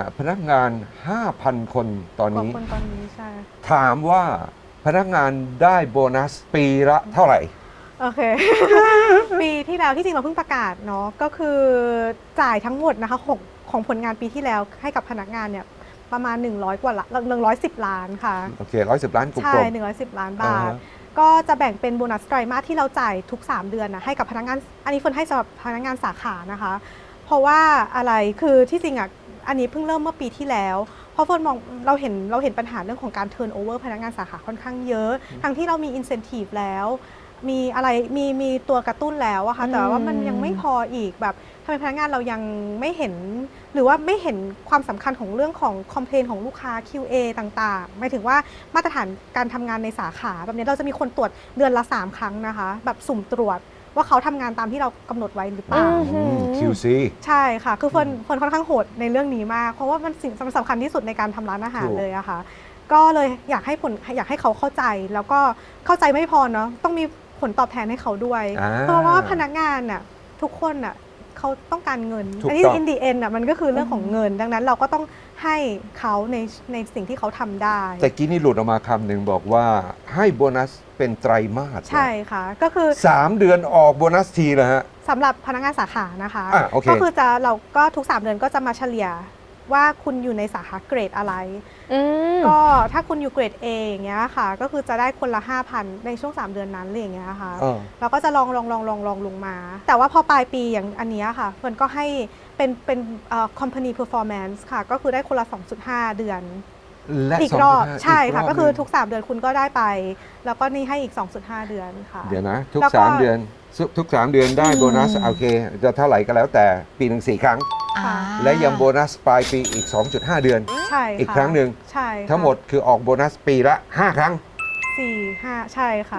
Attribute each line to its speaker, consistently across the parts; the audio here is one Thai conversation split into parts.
Speaker 1: พนักงาน 5,000 คนตอนนี้
Speaker 2: คนตอนนี้ใช่
Speaker 1: ถามว่าพนักงานได้โบนัสปีละเท่าไหร่
Speaker 2: โอเค ปีที่แล้วที่จริงเราเพิ่งประกาศเนาะก็คือจ่ายทั้งหมดนะคะของผลงานปีที่แล้วให้กับพนักงานเนี่ยประมาณ100กว่าละ110 ล้านค่ะ
Speaker 1: โอเค110 ล้านกล
Speaker 2: ใช่
Speaker 1: ม
Speaker 2: 110 ล้าน
Speaker 1: อ่า
Speaker 2: บาท
Speaker 1: ฮะ
Speaker 2: ก็จะแบ่งเป็นโบนัสไตรมาสที่เราจ่ายทุก 3 เดือนนะให้กับพนักงานอันนี้เฟิร์นให้สำหรับพนักงานสาขานะคะ เพราะว่าอะไรคือที่จริงอ่ะอันนี้เพิ่งเริ่มเมื่อปีที่แล้วเพราะเฟิร์นมองเราเห็นปัญหาเรื่องของการเทิร์นโอเวอร์พนักงานสาขาค่อนข้างเยอะ ทั้งที่เรามีอินเซนティブแล้วมีอะไรมีตัวกระตุ้นแล้วอะค่ะแต่ว่ามันยังไม่พออีกแบบทำไมพนักงานเรายังไม่เห็นหรือว่าไม่เห็นความสำคัญของเรื่องของคอมเพลนของลูกค้า QA ต่างๆหมายถึงว่ามาตรฐานการทำงานในสาขาแบบนี้เราจะมีคนตรวจเดือนละ3 ครั้งนะคะแบบสุ่มตรวจว่าเขาทำงานตามที่เรากำหนดไว้หรือเปล่า
Speaker 1: QC
Speaker 2: ใช่ค่ะ คือเฟิร์นค่อนข้างโหดในเรื่องนี้มาก เพราะว่ามันสิ่งสำคัญที่สุดในการทำร้านอาหาร
Speaker 1: ถูก
Speaker 2: เลยอะค่ะ ก็เลยอยากให้เขาเข้าใจ แล้วก็เข้าใจไม่พอเนาะ ต้องมีผลตอบแทนให้เขาด้วย เพราะว่าพนักงานน่ะทุกคนน่ะเขาต้องการเงิน
Speaker 1: ถูก
Speaker 2: อันนี้
Speaker 1: ต้อง
Speaker 2: in the end น่ะมันก็คือเรื่องของเงิน ดังนั้นเราก็ต้องให้เขาในสิ่งที่เขาทำได้
Speaker 1: แต่กี้นี่หลุดออกมาคำหนึ่งบอกว่าให้โบนัสเป็นไตรมาส
Speaker 2: ใช่ค่ะ ก็คือ
Speaker 1: 3 เดือนออกโบนัสทีนะฮะ
Speaker 2: สำหรับพนักงานสาขานะคะ
Speaker 1: โอเค
Speaker 2: ก็คือเราก็ทุก 3 เดือนก็จะมาเฉลี่ยว่าคุณอยู่ในสาขาเกรดอะไร ก็ถ้าคุณอยู่เกรด A อย่างเงี้ยค่ะ ก็คือจะได้คนละ 5,000 ในช่วง 3 เดือนนั้นอะไรอย่างเงี้ยค่ะ เราก็จะลองลงมา แต่ว่าพอปลายปีอย่างอันเนี้ยค่ะเฟิร์นก็ให้เป็นcompany performance ค่ะ ก็คือได้คนละ 2.5 เดือน
Speaker 1: และ
Speaker 2: อีกรอบ
Speaker 1: 2.5
Speaker 2: ใช่ค่ะ
Speaker 1: กรบ
Speaker 2: ก็คือ
Speaker 1: หนึ่ง
Speaker 2: ทุก 3 เดือนคุณก็ได้ไป แล้วก็นี่ให้อีก 2.5 เดือนค่ะ
Speaker 1: เดี๋ยวนะ ทุก
Speaker 2: แล้วก็
Speaker 1: 3 เดือนทุก 3 เดือนได้โบนัสโอเค จะเท่าไหร่ก็แล้วแต่ปีหนึ่ง4 ครั้ง
Speaker 2: ค่ะ
Speaker 1: และยังโบนัสปลายปีอีก 2.5 เดือน
Speaker 2: ใช่ค่ะ
Speaker 1: อีกครั้งหนึ่ง
Speaker 2: ใช่ค่ะ
Speaker 1: ทั้งหมดคือออกโบนัสปีละ 5 ครั้ง
Speaker 2: 4-5 ใช่ค่ะ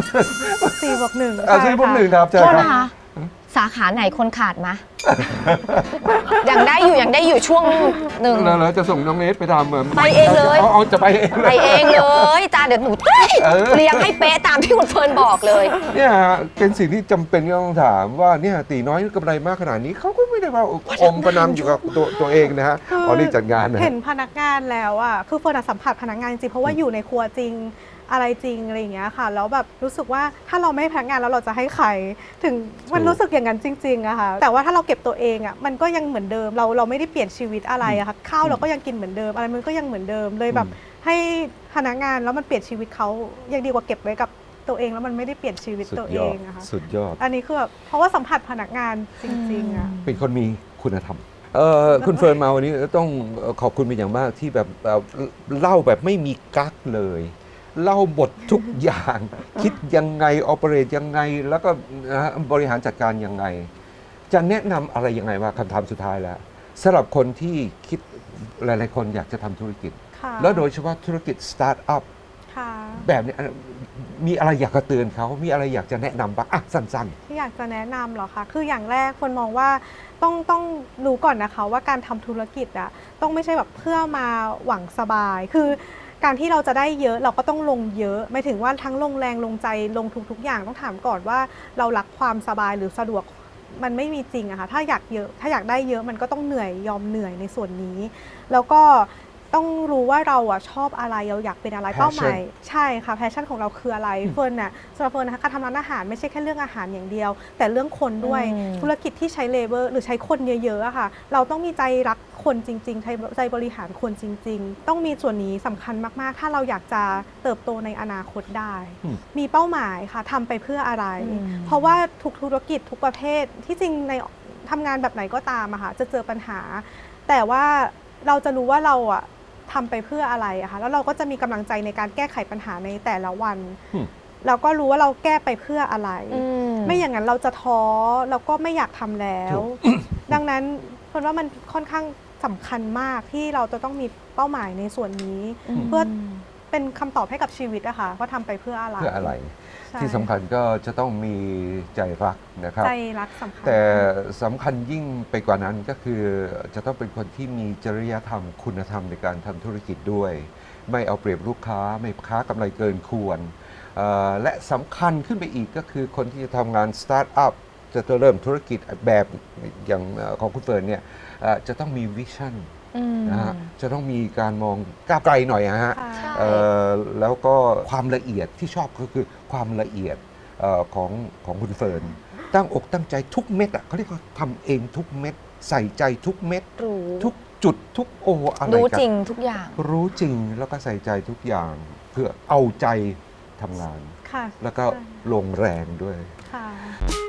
Speaker 2: 4+1
Speaker 1: อ่ะ4 บวก 1ครับใช่
Speaker 3: โทษ
Speaker 1: ครับ
Speaker 3: นะคะ สาขาไหนคนขาดมะ ยังได้อยู่ช่วงหนึ่ง
Speaker 1: แล้วจะส่งน้องเนสไปทำเหมือน
Speaker 3: ไปเองเลย
Speaker 1: เอาจะไปเองเล
Speaker 3: ไป
Speaker 1: ย
Speaker 3: เองเลยจ้าเดี๋ยวหนูเลี้ยงให้เป๊ะตามที่คุณเฟิร์นบอกเลย
Speaker 1: เนี่ยฮะเป็นสิ่งที่จำเป็นที่ต้องถามว่าเนี่ยตีน้อยกำไรมากขนาดนี้เขาก็ไม่ได้ว่าอมประนำอยู่กับตัวเองนะฮะอ๋อนี่จัดงานนะ
Speaker 2: เห็นพนักงานแล้วอ่ะคือเฟิร์นอะสัมผัสพนักงานจริงเพราะว่าอยู่ในครัวจริงอะไรจริงอะไรอย่างเงี้ยค่ะแล้วแบบรู้สึกว่าถ้าเราไม่ให้พนักงานแล้วเราจะให้ใครถึงมันรู้สึกอย่างนั้นจริงๆอะค่ะแต่ว่าถ้าเราเก็บตัวเองอะมันก็ยังเหมือนเดิมเราไม่ได้เปลี่ยนชีวิตอะไรอะค่ะข้าวเราก็ยังกินเหมือนเดิมอะไรมันก็ยังเหมือนเดิมเลยแบบให้พนักงานแล้วมันเปลี่ยนชีวิตเขายังดีกว่าเก็บไว้กับตัวเองแล้วมันไม่ได้เปลี่ยนชีวิต
Speaker 1: สุด
Speaker 2: ตัวย เอ
Speaker 1: อด
Speaker 2: งอะค่ะ
Speaker 1: สุดยอด
Speaker 2: อันนี้คือแบบเพราะว่าสัมผัสพนักงานจริงๆอะ
Speaker 1: เป็นคนมีคุณธรรมคุณเฟิร์นมาวันนี้ต้องขอบคุณเป็นอย่างมากที่แบบเล่าแบบไม่มีกั๊กเลย เล่าบททุกอย่าง คิดยังไงออเปเรตยังไง แล้วก็บริหารจัดการยังไง จะแนะนำอะไรยังไงว่าคำถามสุดท้ายแล้วสำหรับคนที่คิดหลายๆคนอยากจะทำธุรกิจ
Speaker 2: ค่ะ
Speaker 1: แล้วโดยเฉพาะธุรกิจสตาร์ทอัพ
Speaker 2: ค่ะ
Speaker 1: แบบนี้มีอะไรอยากจะเตือนเขามีอะไรอยากจะแนะนำบ้างอ่ะสั้น
Speaker 2: ที่อยากจะแนะนำเหรอคะ คืออย่างแรกคนมองว่าต้องรู้ก่อนนะคะว่าการทำธุรกิจอะต้องไม่ใช่แบบเพื่อมาหวังสบาย คือการที่เราจะได้เยอะเราก็ต้องลงเยอะหมายถึงว่าทั้งลงแรงลงใจลงทุกอย่างต้องถามก่อนว่าเรารักความสบายหรือสะดวกมันไม่มีจริงอะค่ะถ้าอยากได้เยอะมันก็ต้องเหนื่อยยอมเหนื่อยในส่วนนี้ แล้วก็ต้องรู้ว่าเราอะชอบอะไรเราอยากเป็นอะไร
Speaker 1: Passion
Speaker 2: เป้าหมายใช่ค่ะแพชชั่นของเราคืออะไรเฟิร์นน่ะสำหรับเฟิร์นนะคะการทำร้านอาหารไม่ใช่แค่เรื่องอาหารอย่างเดียว แต่เรื่องคนด้วยธุรกิจที่ใช้เลเวอร์หรือใช้คนเยอะๆอะค่ะเราต้องมีใจรักคนจริงๆใจบริหารคนจริง ๆ ต้องมีส่วนนี้สำคัญมากๆ ถ้าเราอยากจะเติบโตในอนาคตได้ มีเป้าหมายค่ะทำไปเพื่ออะไร เพราะว่าทุกธุรกิจทุกประเภทที่จริงในทำงานแบบไหนก็ตามอะค่ะจะเจอปัญหา แต่ว่าเราจะรู้ว่าเราอะทำไปเพื่ออะไรอะคะแล้วเราก็จะมีกำลังใจในการแก้ไขปัญหาในแต่ละวัน เราก็รู้ว่าเราแก้ไปเพื่ออะไร ไม่อย่างนั้นเราจะท้อเราก็ไม่อยากทำแล้ว ดังนั้นเพราะว่ามันค่อนข้างสำคัญมากที่เราจะต้องมีเป้าหมายในส่วนนี้ เพื่อเป็นคำตอบให้กับชีวิตอะค่ะว่าทำไปเพื่ออะไร
Speaker 1: ๆ เพื่ออะไร
Speaker 2: ใช่
Speaker 1: ที่สำคัญก็จะต้องมีใจรักนะครับ
Speaker 2: ใจรักสำคัญ
Speaker 1: แต่สำคัญยิ่งไปกว่านั้นก็คือจะต้องเป็นคนที่มีจริยธรรมคุณธรรมในการทำธุรกิจด้วย ไม่เอาเปรียบลูกค้าไม่ค้ากำไรเกินควรและสำคัญขึ้นไปอีกก็คือคนที่จะทำงานสตาร์ทอัพจะเริ่มธุรกิจแบบอย่างของคุณเฟิร์นเนี่ยจะต้องมีวิชั่นนะฮะจะต้องมีการมองก้าวไกลหน่อยนะฮะ
Speaker 2: ค่ะ
Speaker 3: ใช่
Speaker 1: แล้วก็ความละเอียดที่ชอบก็คือความละเอียดของคุณเฟิร์นตั้งอกตั้งใจทุกเม็ดอ่ะเขาเรียกว่าทำเองทุกเม็ดใส่ใจทุกเม็ด
Speaker 3: รู้
Speaker 1: ทุกจุดทุกอะไร
Speaker 3: รู้
Speaker 1: กัน
Speaker 3: จริงทุกอย่าง
Speaker 1: รู้จริงแล้วก็ใส่ใจทุกอย่างเพื่อเอาใจทำงาน
Speaker 2: ค่ะ
Speaker 1: แล้วก็
Speaker 2: ใช่
Speaker 1: ลงแรงด้วย
Speaker 2: ค่ะ